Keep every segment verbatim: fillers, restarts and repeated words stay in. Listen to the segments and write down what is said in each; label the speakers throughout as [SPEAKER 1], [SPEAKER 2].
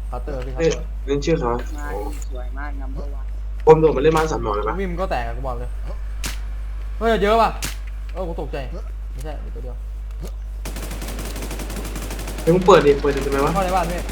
[SPEAKER 1] เคาน์เตอร์พี่เคาน์
[SPEAKER 2] เฮ้ย
[SPEAKER 1] เตอร์
[SPEAKER 2] เล่นชื่อเขา
[SPEAKER 3] มาสวยมากนัมเบอร์วัน
[SPEAKER 2] ผมโดดมาเล่นบ้านสามหมอเลยปะ
[SPEAKER 1] วิมก็แตกกูบอกเลยเฮ้ยเยอะป่ะเออกูตกใจไม่ใช่ตัวเดียว
[SPEAKER 2] เฮ้ยมึงเปิดดิเปิดดิทำไมวะ
[SPEAKER 1] เข้าในบ้านพี่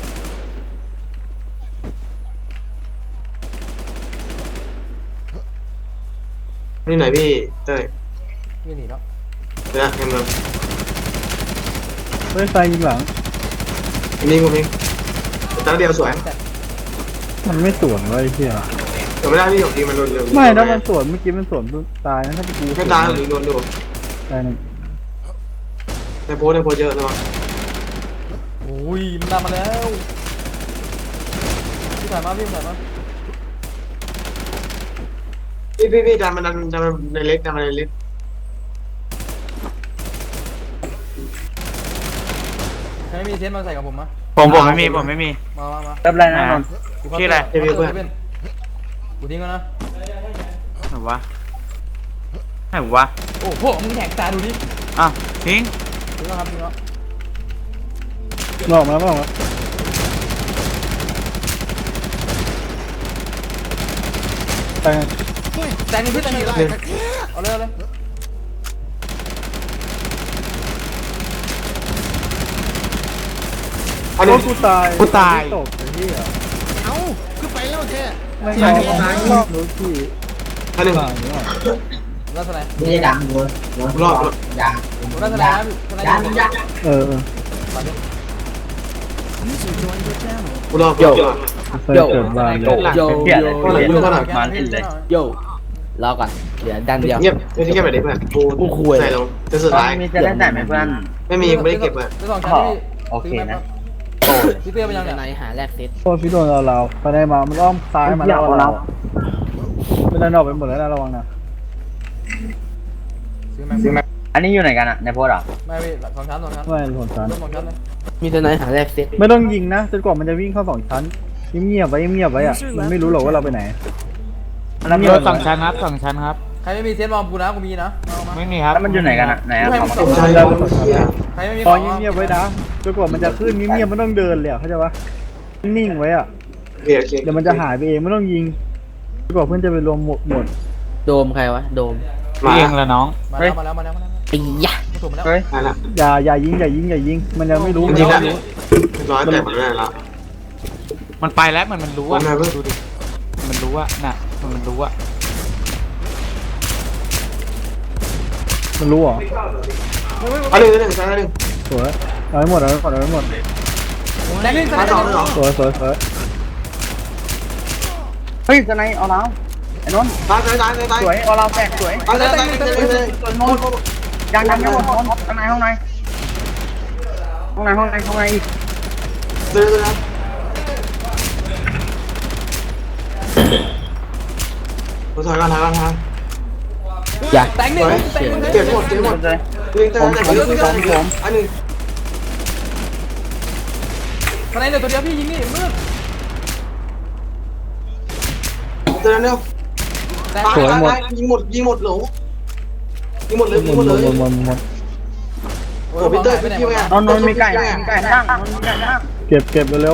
[SPEAKER 2] นี่ไหนพี่เต้ย
[SPEAKER 1] พี่หนีแล้ว
[SPEAKER 2] เดี๋ยวนะเอ็มเลย
[SPEAKER 4] เฮ้ยไฟยิงหลัง
[SPEAKER 2] อันนี้กูเองตั้งเดียวสวย
[SPEAKER 1] แต่
[SPEAKER 4] มันไม่สวนเลยไอ้เหี้ย
[SPEAKER 2] แต่ไม่ได้พี่ของจริงมันโดนเร็ว
[SPEAKER 4] ไม่ถ้ามันสวนเมื่อกี้มันสวนตายนะถ้าเป็นกู
[SPEAKER 2] ไม่ตายหรือโดนดู
[SPEAKER 4] ตายหนึ่ง
[SPEAKER 2] ในโพสในโพสเยอะนะวะ
[SPEAKER 1] โอ้ยมันตามมาแล้วพี่ถ่ายมาพี่ถ่ายมา
[SPEAKER 2] พี่พี่พี่ดันมันดันดันมันในเล็กดันมันในเล็ก
[SPEAKER 1] ใครไม่มีเทนมาใส่กับผมมะ
[SPEAKER 5] ผมผมไม่มีผมไม่มี
[SPEAKER 1] มามามา
[SPEAKER 4] แป๊บไรนะนน
[SPEAKER 5] ชื่ออะไร
[SPEAKER 1] เพื่อนกูทิ้งแล้วนะ
[SPEAKER 5] ไหนวะไหนวะ
[SPEAKER 1] โอ้โหมึงแหกตาดูดิ
[SPEAKER 5] อ้าวทิ้ง
[SPEAKER 1] ทิ้งแล้วครับทิ้งแล้ว
[SPEAKER 4] นอกมาแล้วนอกมาตาย
[SPEAKER 1] แต่งพี่แต่งนี่เอาเลยเอาเลย
[SPEAKER 2] อัน
[SPEAKER 4] โอ้
[SPEAKER 2] นี้
[SPEAKER 4] กูตาย
[SPEAKER 5] กูตาย
[SPEAKER 4] ตกไอ้เหี้ย
[SPEAKER 3] เอ้าคือไปแล้วแท้
[SPEAKER 4] ไม่ใช่รอบรู้ที่
[SPEAKER 2] อันหนึ่ง
[SPEAKER 4] ผ่านเนี่ย
[SPEAKER 1] รัศนัย
[SPEAKER 6] ไม่ได้ดังเลย
[SPEAKER 2] รอบ
[SPEAKER 6] ยาง
[SPEAKER 1] รัศนัยนะรัศนัย
[SPEAKER 6] ยางยาง
[SPEAKER 4] เออเออ
[SPEAKER 2] กูรอบ
[SPEAKER 7] โย
[SPEAKER 2] โย
[SPEAKER 4] ไฟเกิดบานเลย
[SPEAKER 7] โย
[SPEAKER 2] เงียบเลยเงียบเลย
[SPEAKER 7] มาเล่นเลยโยรอก่อนเหลือดันเดียว
[SPEAKER 2] เงียบไม่ใช่แค่แบบนี้เพื่อนกูใส่ลงจะสุดท้าย
[SPEAKER 4] มีจะได้แต่ไหมเพื่อน
[SPEAKER 2] ไม่มีไม่ได้เก็บเลย
[SPEAKER 1] จะสองชั้นที่ซื้อมาพี่เตี้ยไปยัง
[SPEAKER 7] จะ
[SPEAKER 1] เนี่ย
[SPEAKER 7] ไหนหาแรกเซต
[SPEAKER 4] โอ้พี่โดนเราเราไปได้มามันอ้อมซ้ายมาแล้วเราไม่ได้นอกไปหมดแล้วนะระวังนะ
[SPEAKER 1] ซื้อมาซื้อมา
[SPEAKER 4] อันนี้อยู่ไหนกันอะในโพสต์อ่ะ
[SPEAKER 1] ไม่พี่สองชั้นสองชั้น
[SPEAKER 4] ไม่หนชั้น
[SPEAKER 1] สองชั้นเลย
[SPEAKER 7] มีจะไหนหาแรกเซต
[SPEAKER 4] ไม่ต้องยิงนะจนกว่ามันจะวิ่งเข้าสองชั้นเงียบๆไว้เงียบๆไว้อะมันไม่รู้หรอกว่าเราไปไหน
[SPEAKER 5] รถสองชั้นครับสองชั้นครับ
[SPEAKER 1] ใครไม่มีเทนบอมกูนะกูมีนะเอามา
[SPEAKER 5] ไม่มีครับ
[SPEAKER 4] แล้วมันอยู่ไหนกันอะไหนอะ
[SPEAKER 2] สองชั้นแล้วเฮีย
[SPEAKER 1] ใครไม่มี
[SPEAKER 4] พอเงียบๆไว้นะจนกว่ามันจะขึ้นเงียบๆไม่ต้องเดินเลยอะเข้าใจปะนิ่งๆไว้อะ
[SPEAKER 2] โอเคโอเค
[SPEAKER 4] เดี๋ยวมันจะหายไปเองไม่ต้องยิงจนกว่าเพื่อนจะไปรวมหมดหมด
[SPEAKER 7] โดมใครวะโดม
[SPEAKER 2] มา
[SPEAKER 5] เองละน้อง
[SPEAKER 1] มาแล้วมาแล้วมาแล้วมาแล้ว
[SPEAKER 7] ไอ้ยะ
[SPEAKER 1] ถูกมาแล้ว
[SPEAKER 4] เฮ้ย
[SPEAKER 2] มาละ
[SPEAKER 4] อย่าอย่ายิงอย่ายิงอย่ายิงมันยังไม่รู้
[SPEAKER 2] จริงๆแล้วร้อยแต่มันไม่ได้ละ
[SPEAKER 5] มันไปแล้วมันมันรู้อะ
[SPEAKER 2] มันมาเพิ่ง
[SPEAKER 5] ดูดิมันรู้อะน่ะมันรู้อะ
[SPEAKER 4] มันรู้เหรอ
[SPEAKER 2] อันหนึ่งอันหนึ่งชั้นอันหนึ่ง
[SPEAKER 4] สวยเอาให้หมดเอาให้หมดเอาให้หมด
[SPEAKER 1] แดงนี่
[SPEAKER 2] ชั้นสองชั้นสอง
[SPEAKER 4] สวยสวยสวยเฮ้ยสไนเอาแล้วไอ้นนท์
[SPEAKER 2] ตายตายตายตาย
[SPEAKER 4] สวยเอาเราแตกสวย
[SPEAKER 2] ตายตายตายตายตาย
[SPEAKER 4] นนท์ยังยังไม่หมดนนท์ข้างในห้องในห้องในห้องในห้องในอีก
[SPEAKER 2] เดินเลยนะกูถอยก่อนถอยก่อนถอย
[SPEAKER 7] อย่า
[SPEAKER 1] แดงนี่แดงนี่
[SPEAKER 2] เก็บหมดเก็บหมด
[SPEAKER 4] เลย
[SPEAKER 2] ยิงแต่แต่ยิงแต่อันหนึ่ง
[SPEAKER 1] ข้างในเหลือตัวเดียวพี่ยิงนี่มืด
[SPEAKER 2] เดินเร็ว
[SPEAKER 1] แดง
[SPEAKER 2] ตายตายตายยิงหมดยิงหมดหลงยิงหมดเลย
[SPEAKER 4] หม
[SPEAKER 2] ยิง
[SPEAKER 4] ด
[SPEAKER 2] หมด
[SPEAKER 4] หม
[SPEAKER 2] เล
[SPEAKER 4] ด
[SPEAKER 2] ย
[SPEAKER 4] หมดหมด
[SPEAKER 2] โอ้พีเตอร์พี่คิวไง
[SPEAKER 4] นนท์มีไก่มีไก่ย่างนนท์มีไก่ย่างเก็บเก็บเร็ว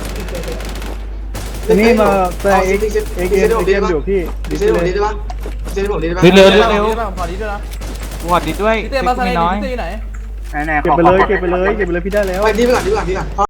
[SPEAKER 4] ๆทีนี้มาแต่เอ็กเอ็กเอ็มเอ็มอยู่พี่
[SPEAKER 2] ดีเซลผมดีได้ปะดีเซลผมดีได้ปะ
[SPEAKER 5] เร็วเร็ว
[SPEAKER 1] เร็
[SPEAKER 5] เร็
[SPEAKER 1] ว
[SPEAKER 5] ว
[SPEAKER 1] ขอดีด้วยนะ
[SPEAKER 5] สวัสดีด้วย
[SPEAKER 1] พี่เต้มาสไน
[SPEAKER 5] ไม่
[SPEAKER 1] ด์
[SPEAKER 5] น้อย
[SPEAKER 1] พี่เต้อยู่ไหน
[SPEAKER 4] ไหนๆเก็บไปเลยเก็บไปเลยเก็บไปเลยพี่ได้แล้ว
[SPEAKER 2] ไปดีไปก่อนดีก่อนดีก่อน